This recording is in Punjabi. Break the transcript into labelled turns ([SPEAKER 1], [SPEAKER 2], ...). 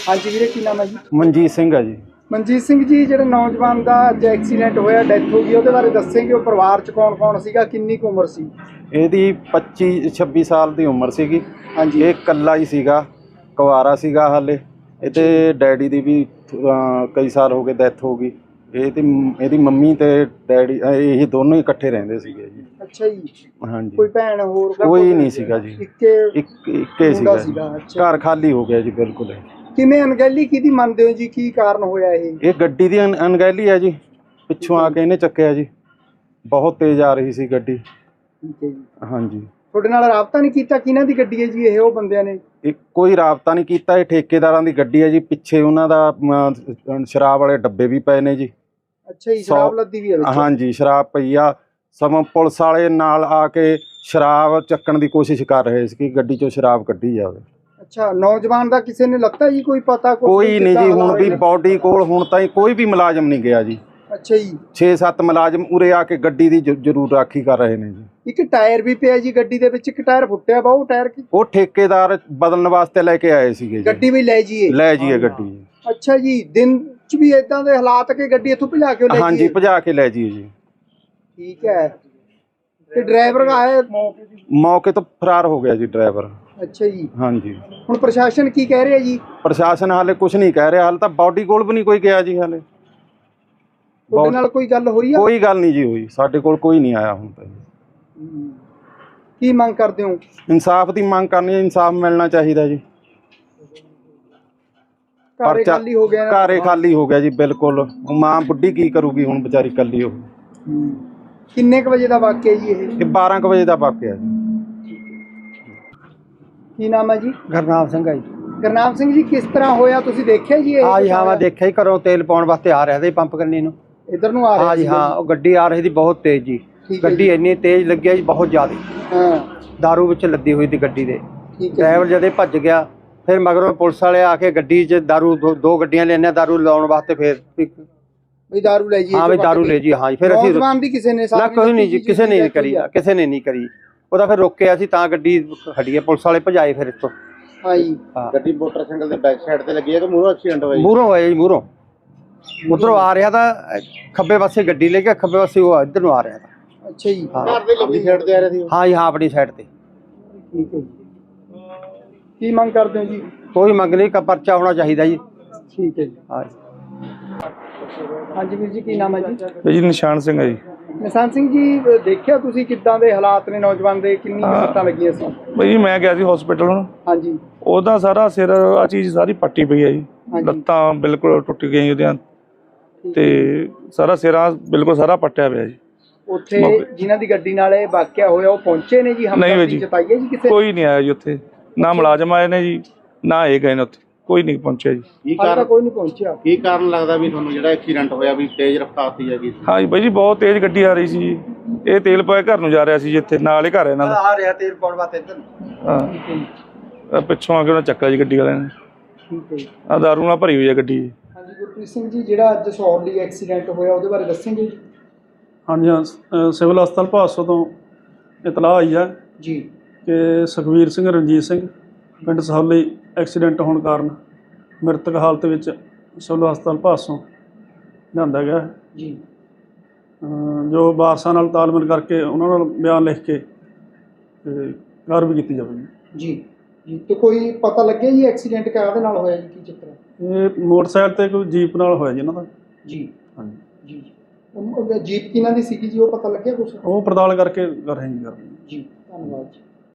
[SPEAKER 1] ਹਾਂਜੀ ਵੀਰੇ, ਕੀ ਨਾਮ ਹੈ जी?
[SPEAKER 2] ਮਨਜੀਤ ਸਿੰਘ ਹੈ ਜੀ।
[SPEAKER 1] ਮਨਜੀਤ ਸਿੰਘ ਜੀ, ਜਿਹੜੇ ਨੌਜਵਾਨ ਦਾ ਅੱਜ ਐਕਸੀਡੈਂਟ ਹੋਇਆ, ਡੈਥ ਹੋ ਗਈ, ਉਹਦੇ ਬਾਰੇ ਦੱਸੇਂਗੇ? ਉਹ ਪਰਿਵਾਰ ਚ ਕੌਣ ਕੌਣ ਸੀਗਾ, ਕਿੰਨੀ ਕੁ ਉਮਰ ਸੀ?
[SPEAKER 2] ਇਹਦੀ 25-26 ਸਾਲ ਦੀ ਉਮਰ ਸੀਗੀ।
[SPEAKER 1] ਹਾਂਜੀ।
[SPEAKER 2] ਇਹ ਇਕੱਲਾ ਹੀ ਸੀਗਾ, ਕੁਆਰਾ ਸੀਗਾ ਹਾਲੇ। ਇਹਦੇ ਡੈਡੀ ਦੀ ਵੀ ਕਈ ਸਾਲ ਹੋ ਗਏ ਡੈਥ ਹੋ ਗਈ। ਇਹਦੀ ਮੰਮੀ ਤੇ ਡੈਡੀ ਇਹ ਦੋਨੋਂ ਹੀ ਇਕੱਠੇ ਰਹਿੰਦੇ ਸੀਗੇ ਜੀ।
[SPEAKER 1] ਅੱਛਾ ਜੀ।
[SPEAKER 2] ਹਾਂਜੀ।
[SPEAKER 1] ਕੋਈ ਭੈਣ ਹੋਰ?
[SPEAKER 2] ਕੋਈ ਨਹੀਂ ਸੀਗਾ ਜੀ, ਇੱਕੇ ਸੀਗਾ ਜੀ। ਘਰ ਖਾਲੀ ਹੋ ਗਿਆ ਜੀ ਬਿਲਕੁਲ।
[SPEAKER 1] ਕਿਵੇਂ ਅਣਗਹਿਲੀ ਕਿਹਦੀ ਮੰਨਦੇ ਹੋ ਜੀ? ਕੀ ਕਾਰਨ ਹੋਇਆ ਇਹ?
[SPEAKER 2] ਇਹ ਗੱਡੀ ਦੀ ਅਣਗਹਿਲੀ ਹੈ ਜੀ। ਪਿੱਛੋਂ ਆ ਕੇ ਇਹਨੇ ਚੱਕਿਆ ਜੀ। ਬਹੁਤ ਤੇਜ਼ ਆ ਰਹੀ ਸੀ ਗੱਡੀ।
[SPEAKER 1] ਠੀਕ ਹੈ ਜੀ।
[SPEAKER 2] ਹਾਂਜੀ।
[SPEAKER 1] ਤੁਹਾਡੇ ਨਾਲ ਰਾਬਤਾ ਨਹੀਂ ਕੀਤਾ? ਕਿਹਨਾਂ ਦੀ ਗੱਡੀ ਹੈ ਜੀ ਇਹ? ਉਹ ਬੰਦਿਆਂ ਨੇ
[SPEAKER 2] ਕੋਈ ਰਾਬਤਾ ਨਹੀਂ ਕੀਤਾ। ਇਹ ਠੇਕੇਦਾਰਾਂ ਦੀ ਗੱਡੀ ਹੈ ਜੀ। ਪਿੱਛੇ ਉਹਨਾਂ ਦਾ ਸ਼ਰਾਬ ਵਾਲੇ ਡੱਬੇ ਵੀ ਪਏ ਨੇ ਜੀ।
[SPEAKER 1] ਅੱਛਾ ਜੀ, ਸ਼ਰਾਬ ਲੱਦੀ ਵੀ ਹੈ ਵਿੱਚ?
[SPEAKER 2] ਹਾਂਜੀ, ਸ਼ਰਾਬ ਪਈ ਆ। ਸਮਾਂ ਪੁਲਿਸ ਵਾਲੇ ਨਾਲ ਆ ਕੇ ਸ਼ਰਾਬ ਚੱਕਣ ਦੀ ਕੋਸ਼ਿਸ਼ ਕਰ ਰਹੇ ਸੀ ਕਿ ਗੱਡੀ ਚੋਂ ਸ਼ਰਾਬ ਕੱਢੀ ਜਾਵੇ।
[SPEAKER 1] ਅੱਛਾ, ਨੌਜਵਾਨ ਦਾ ਕਿਸੇ ਨੇ ਲੱਤਾ ਜੀ? ਕੋਈ ਪਤਾ?
[SPEAKER 2] ਕੋਈ ਨਹੀਂ ਜੀ। ਹੁਣ ਵੀ ਬੋਡੀ ਕੋਲ ਹੁਣ ਤਾਈਂ ਕੋਈ ਵੀ ਮੁਲਾਜ਼ਮ ਨਹੀਂ ਗਿਆ ਜੀ।
[SPEAKER 1] ਅੱਛਾ ਜੀ।
[SPEAKER 2] 6-7 ਮੁਲਾਜ਼ਮ ਉਰੇ ਆ ਕੇ ਗੱਡੀ ਦੀ ਜ਼ਰੂਰ ਰਾਖੀ ਕਰ ਰਹੇ ਨੇ ਜੀ।
[SPEAKER 1] ਇੱਕ ਟਾਇਰ ਵੀ ਪਿਆ ਜੀ ਗੱਡੀ ਦੇ ਵਿੱਚ, ਇੱਕ ਟਾਇਰ ਫੁੱਟਿਆ ਵਾ। ਉਹ ਟਾਇਰ
[SPEAKER 2] ਉਹ ਠੇਕੇਦਾਰ ਬਦਲਣ ਵਾਸਤੇ ਲੈ ਕੇ ਆਏ ਸੀਗੇ ਜੀ।
[SPEAKER 1] ਗੱਡੀ ਵੀ ਲੈ ਜੀਏ ਗੱਡੀ। ਅੱਛਾ ਜੀ, ਦਿਨ ਚ ਵੀ ਇਦਾਂ ਦੇ ਹਾਲਾਤ ਕਿ ਗੱਡੀ ਇੱਥੋਂ ਭਜਾ ਕੇ ਲੈ ਜੀਏ?
[SPEAKER 2] ਹਾਂਜੀ, ਭਜਾ ਕੇ ਲੈ ਜੀਏ ਜੀ।
[SPEAKER 1] ਠੀਕ ਹੈ। ਤੇ ਡਰਾਈਵਰ ਆਇਆ
[SPEAKER 2] ਮੌਕੇ ਤੋਂ ਫਰਾਰ ਹੋ ਗਿਆ ਜੀ ਡਰਾਈਵਰ।
[SPEAKER 1] ਅੱਛਾ ਜੀ।
[SPEAKER 2] ਹਾਂਜੀ।
[SPEAKER 1] ਹੁਣ ਪ੍ਰਸ਼ਾਸਨ ਕੀ ਕਹਿ ਰਿਹਾ ਜੀ?
[SPEAKER 2] ਪ੍ਰਸ਼ਾਸਨ ਹਾਲੇ ਕੁਝ ਨਹੀਂ ਕਹਿ ਰਿਹਾ। ਹਾਲੇ ਤਾਂ ਬਾਡੀ ਕੋਲ ਵੀ ਨਹੀਂ ਕੋਈ ਗਿਆ ਜੀ। ਹਾਲੇ
[SPEAKER 1] ਤੁਹਾਡੇ ਨਾਲ ਕੋਈ ਗੱਲ ਹੋਈ ਆ?
[SPEAKER 2] ਕੋਈ ਗੱਲ ਨਹੀਂ ਜੀ ਹੋਈ। ਸਾਡੇ ਕੋਲ ਕੋਈ ਨਹੀਂ ਆਇਆ ਹੁਣ ਤੱਕ।
[SPEAKER 1] ਕੀ ਮੰਗ ਕਰਦੇ ਹੋ?
[SPEAKER 2] ਇਨਸਾਫ ਦੀ ਮੰਗ ਕਰਨੀ ਹੈ। ਇਨਸਾਫ ਮਿਲਣਾ ਚਾਹੀਦਾ ਜੀ।
[SPEAKER 1] ਘਰੇ ਖਾਲੀ ਹੋ ਗਿਆ?
[SPEAKER 2] ਘਰੇ ਖਾਲੀ ਹੋ ਗਿਆ ਜੀ ਬਿਲਕੁਲ। ਮਾਂ ਬੁੱਢੀ ਕੀ ਕਰੂਗੀ ਹੁਣ ਵਿਚਾਰੀ ਇਕੱਲੀ ਹੋ।
[SPEAKER 1] ਕਿੰਨੇ ਕੁ ਵਜੇ ਦਾ ਵਾਕਿਆ ਜੀ ਇਹ?
[SPEAKER 2] 12 ਕੁ ਵਜੇ ਦਾ ਵਾਕਿਆ ਜੀ।
[SPEAKER 1] ਕੀ ਨਾਮ ਹੈ ਜੀ?
[SPEAKER 3] ਗੁਰਨਾਮ ਸਿੰਘ ਹੈ ਜੀ।
[SPEAKER 1] ਗੁਰਨਾਮ ਸਿੰਘ ਜੀ, ਕਿਸ ਤਰ੍ਹਾਂ ਹੋਇਆ? ਤੁਸੀਂ ਦੇਖਿਆ ਜੀ ਇਹ?
[SPEAKER 3] ਹਾਂ ਜੀ, ਹਾਂ ਮੈਂ ਦੇਖਿਆ ਹੀ। ਘਰੋਂ ਤੇਲ ਪਾਉਣ ਵਾਸਤੇ ਆ ਰਿਹਾ ਸੀ ਪੰਪ ਕਰਨੀ ਨੂੰ।
[SPEAKER 1] ਇੱਧਰ ਨੂੰ ਆ ਰਿਹਾ?
[SPEAKER 3] ਹਾਂ ਜੀ ਹਾਂ। ਉਹ ਗੱਡੀ ਆ ਰਹੀ ਸੀ ਬਹੁਤ ਤੇਜ਼ ਜੀ। ਗੱਡੀ ਇੰਨੀ ਤੇਜ਼ ਲੱਗਿਆ ਜੀ, ਬਹੁਤ ਜ਼ਿਆਦਾ।
[SPEAKER 1] ਹਾਂ।
[SPEAKER 3] ਦਾਰੂ ਵਿੱਚ ਲੱਦੀ ਹੋਈ ਸੀ ਗੱਡੀ ਦੇ।
[SPEAKER 1] ਡਰਾਈਵਰ
[SPEAKER 3] ਜਦੇ ਭੱਜ ਗਿਆ। ਫਿਰ ਮਗਰੋਂ ਪੁਲਿਸ ਵਾਲੇ ਆ ਕੇ ਗੱਡੀ 'ਚ ਦਾਰੂ ਦੋ ਗੱਡੀਆਂ ਲੈਣੇ ਦਾਰੂ ਲਾਉਣ ਵਾਸਤੇ। ਫਿਰ
[SPEAKER 1] ਵੀ ਦਾਰੂ ਲੈ ਜੀ?
[SPEAKER 3] ਹਾਂ ਵੀ ਦਾਰੂ ਲੈ ਜੀ। ਹਾਂ ਜੀ। ਫਿਰ ਅਸੀਂ
[SPEAKER 1] ਨੌਜਵਾਨ ਦੀ ਕਿਸੇ ਨੇ
[SPEAKER 3] ਨਾ ਕੋਈ ਨਹੀਂ ਜੀ, ਕਿਸੇ ਨੇ ਨਹੀਂ ਕਰੀ। ਕਿਸੇ ਨੇ ਨਹੀਂ ਕਰੀ। ਉਹਦਾ ਫਿਰ ਰੋਕਿਆ ਸੀ ਤਾਂ ਗੱਡੀ ਖੜੀ ਹੈ। ਪੁਲਿਸ ਵਾਲੇ ਭਜਾਏ ਫਿਰ ਇੱਥੋਂ।
[SPEAKER 1] ਹਾਂ ਜੀ।
[SPEAKER 2] ਗੱਡੀ ਮੋਟਰਸਾਈਕਲ ਦੇ ਬੈਕ ਸਾਈਡ ਤੇ ਲੱਗੀ ਹੈ ਕਿ ਮੂਹਰੋਂ ਐਕਸੀਡੈਂਟ ਹੋਇਆ ਜੀ? ਮੂਹਰੋਂ
[SPEAKER 3] ਹੋਇਆ ਜੀ। ਮੂਹਰੋਂ ਉੱਧਰੋਂ ਆ ਰਿਹਾ ਤਾਂ ਖੱਬੇ ਪਾਸੇ ਗੱਡੀ ਲੈ ਕੇ, ਖੱਬੇ ਪਾਸੇ ਉਹ ਇੱਧਰ ਨੂੰ ਆ ਰਿਹਾ ਤਾਂ।
[SPEAKER 1] ਅੱਛਾ ਜੀ।
[SPEAKER 2] ਘਰ ਦੇ ਲੰਬੀ ਸਾਈਡ ਤੇ ਆ ਰਿਹਾ ਸੀ?
[SPEAKER 3] ਹਾਂ ਜੀ ਹਾਂ, ਆਪਣੀ ਸਾਈਡ ਤੇ।
[SPEAKER 1] ਠੀਕ ਹੈ ਜੀ। ਕੀ ਮੰਗ ਕਰਦੇ ਹੋ ਜੀ?
[SPEAKER 3] ਕੋਈ ਮੰਗ ਨਹੀਂ, ਪਰਚਾ ਹੋਣਾ ਚਾਹੀਦਾ ਜੀ।
[SPEAKER 1] ਠੀਕ ਹੈ ਜੀ।
[SPEAKER 3] ਹਾਂ।
[SPEAKER 1] ਹਾਂਜੀ ਵੀਰ ਜੀ, ਕੀ ਨਾਮ ਹੈ ਜੀ?
[SPEAKER 4] ਜੀ ਨਿਸ਼ਾਨ ਸਿੰਘ ਹੈ ਜੀ।
[SPEAKER 1] ਨਿਸ਼ਾਨ ਸਿੰਘ ਜੀ, ਦੇਖਿਆ ਤੁਸੀਂ ਕਿੱਦਾਂ ਦੇ ਹਾਲਾਤ ਨੇ ਨੌਜਵਾਨ ਦੇ? ਕਿੰਨੀ ਸੱਟਾਂ ਲੱਗੀਆਂ ਸੀ?
[SPEAKER 4] ਜੀ ਮੈਂ ਗਿਆ ਸੀ ਹਸਪੀਟਲ ਹੁਣ।
[SPEAKER 1] ਹਾਂਜੀ।
[SPEAKER 4] ਉਹਦਾ ਸਾਰਾ ਸਿਰ ਆ ਚੀਜ਼ ਸਾਰੀ ਪੱਟੀ ਪਈ ਹੈ ਜੀ। ਲੱਤਾਂ ਬਿਲਕੁਲ ਟੁੱਟ ਗਈਆਂ ਉਹਦੀਆਂ ਤੇ ਸਾਰਾ ਸਿਰਾ ਬਿਲਕੁਲ ਸਾਰਾ ਪੱਟਿਆ ਪਿਆ ਜੀ।
[SPEAKER 1] ਉੱਥੇ ਜਿਨ੍ਹਾਂ ਦੀ ਗੱਡੀ ਨਾਲ ਇਹ ਵਾਕਿਆ ਹੋਇਆ ਉਹ ਪਹੁੰਚੇ ਨੇ ਜੀ?
[SPEAKER 4] ਹਮਦਰਦੀ
[SPEAKER 1] ਜਤਾਈ ਹੈ ਜੀ ਕਿਸੇ?
[SPEAKER 4] ਕੋਈ ਨਹੀਂ ਆਇਆ ਜੀ ਉੱਥੇ। ਨਾ ਮੁਲਾਜ਼ਮ ਆਏ ਨੇ ਜੀ, ਨਾ ਇਹ ਗਏ ਨੇ ਉੱਥੇ। ਕੋਈ ਨਹੀਂ ਪਹੁੰਚਿਆ ਜੀ।
[SPEAKER 1] ਕੋਈ ਨਹੀਂ ਪਹੁੰਚਿਆ।
[SPEAKER 2] ਕੀ ਕਾਰਨ ਲੱਗਦਾ ਵੀ ਤੁਹਾਨੂੰ ਜਿਹੜਾ ਐਕਸੀਡੈਂਟ ਹੋਇਆ ਵੀ ਤੇਜ਼ ਰਫ਼ਤਾਰ ਸੀ ਹੈਗੀ?
[SPEAKER 4] ਹਾਂ ਜੀ ਬਾਈ ਜੀ, ਬਹੁਤ ਤੇਜ਼ ਗੱਡੀ ਆ ਰਹੀ ਸੀ ਜੀ। ਇਹ ਤੇਲ ਪਾਇਆ ਘਰ ਨੂੰ ਜਾ ਰਿਹਾ ਸੀ ਜੀ। ਇੱਥੇ ਨਾਲ ਹੀ ਘਰ ਇਹਨਾਂ ਦਾ
[SPEAKER 3] ਆ ਰਿਹਾ ਤੇਲ ਪਾਉਣ ਵਾਸਤੇ ਇੱਧਰ।
[SPEAKER 4] ਹਾਂ, ਪਿੱਛੋਂ ਆ ਕੇ ਉਹਨਾਂ ਚੱਕਾ ਜੀ ਗੱਡੀ ਵਾਲਿਆਂ ਨੇ।
[SPEAKER 1] ਠੀਕ ਹੈ ਜੀ।
[SPEAKER 4] ਆ ਦਾਰੂ ਨਾਲ ਭਰੀ ਹੋਈ ਹੈ ਗੱਡੀ।
[SPEAKER 1] ਹਾਂਜੀ ਗੁਰਪ੍ਰੀਤ ਸਿੰਘ ਜੀ, ਜਿਹੜਾ ਅੱਜ ਸੌਰਲੀ ਐਕਸੀਡੈਂਟ ਹੋਇਆ ਉਹਦੇ ਬਾਰੇ ਦੱਸਣਗੇ ਜੀ?
[SPEAKER 5] ਹਾਂਜੀ ਹਾਂ, ਸਿਵਲ ਹਸਪਤਾਲ ਭਾਦਸੋਂ ਤੋਂ ਇਤਲਾਹ ਆਈ ਹੈ
[SPEAKER 1] ਜੀ
[SPEAKER 5] ਕਿ ਸੁਖਵੀਰ ਸਿੰਘ ਰਣਜੀਤ ਸਿੰਘ ਪਿੰਡ ਸਹੌਲੀ ਐਕਸੀਡੈਂਟ ਹੋਣ ਕਾਰਨ ਮ੍ਰਿਤਕ ਹਾਲਤ ਵਿੱਚ ਸਿਵਲ ਹਸਪਤਾਲ ਭਾਦਸੋਂ ਲਿਆਂਦਾ ਗਿਆ ਹੈ
[SPEAKER 1] ਜੀ।
[SPEAKER 5] ਜੋ ਵਾਰਸਾਂ ਨਾਲ ਤਾਲਮੇਲ ਕਰਕੇ ਉਹਨਾਂ ਨਾਲ ਬਿਆਨ ਲਿਖ ਕੇ ਤੇ ਕਾਰਵਾਈ ਕੀਤੀ ਜਾਵੇਗੀ
[SPEAKER 1] ਜੀ। ਜੀ ਤੇ ਕੋਈ ਪਤਾ ਲੱਗਿਆ ਜੀ ਐਕਸੀਡੈਂਟ ਕਾਹਦੇ ਨਾਲ ਹੋਇਆ ਜੀ? ਕੀ ਚੱਕਰ ਹੈ?
[SPEAKER 5] ਇਹ ਮੋਟਰਸਾਈਕਲ ਤੇ ਕੋਈ ਜੀਪ ਨਾਲ ਹੋਇਆ ਜੀ ਇਹਨਾਂ ਦਾ।
[SPEAKER 1] ਜੀ
[SPEAKER 5] ਹਾਂਜੀ।
[SPEAKER 1] ਜੀ। ਜੀਪ ਕਿਹਨਾਂ ਦੀ ਸੀਗੀ ਜੀ? ਉਹ ਪਤਾ ਲੱਗਿਆ ਕੁਛ?
[SPEAKER 5] ਉਹ ਪੜਤਾਲ ਕਰਕੇ ਕਰ ਰਹੇ ਜੀ।
[SPEAKER 1] ਜੀ ਧੰਨਵਾਦ ਜੀ।